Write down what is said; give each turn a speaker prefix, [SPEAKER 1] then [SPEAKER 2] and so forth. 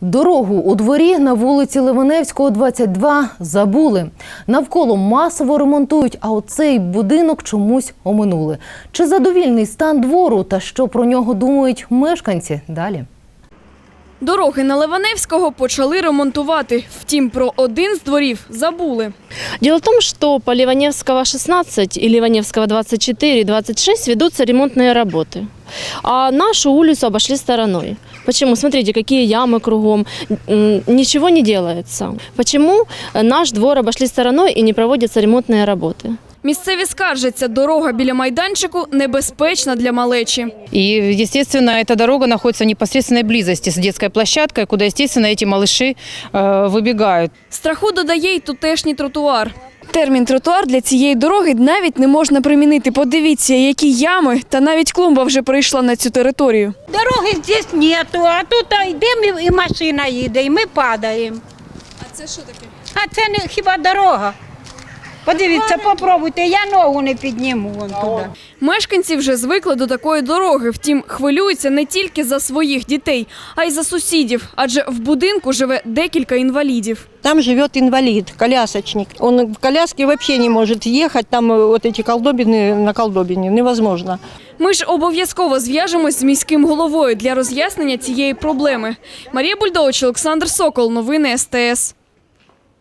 [SPEAKER 1] Дорогу у дворі на вулиці Ливаневського, 22 забули. Навколо масово ремонтують, а оцей будинок чомусь оминули. Чи задовільний стан двору та що про нього думають мешканці? Далі.
[SPEAKER 2] Дороги на Ливаневського почали ремонтувати. Втім, про один з дворів забули.
[SPEAKER 3] Дело в том, что по Ливаневского 16 и Ливаневского 24 и 26 ведутся ремонтные работы. А нашу улицу обошли стороной. Почему? Смотрите, какие ямы кругом. Ничего не делается. Почему наш двор обошли стороной и не проводятся ремонтные работы?
[SPEAKER 2] Місцеві скаржаться, дорога біля майданчику небезпечна для малечі.
[SPEAKER 4] И, естественно, эта дорога находится в непосредственной близости с детской площадкой, куда, естественно, эти малыши выбегают.
[SPEAKER 2] Страху додає й тутешній тротуар. Термін «тротуар» для цієї дороги навіть не можна примінити. Подивіться, які ями, та навіть клумба вже прийшла на цю територію.
[SPEAKER 5] Дороги здесь нету, а тут йдемо і машина їде, і ми падаємо.
[SPEAKER 2] А це що таке?
[SPEAKER 5] А це не хіба дорога? Подивіться, попробуйте, я ногу не підніму вон туди.
[SPEAKER 2] Мешканці вже звикли до такої дороги. Втім, хвилюються не тільки за своїх дітей, а й за сусідів. Адже в будинку живе декілька інвалідів.
[SPEAKER 6] Там живет инвалид, колясочник. Он в коляске вообще не может ехать, там вот эти колдобины на колдобине, невозможно.
[SPEAKER 2] Ми ж обов'язково зв'яжемось з міським головою для роз'яснення цієї проблеми. Марія Бульдович, Олександр Сокол. Новини СТС.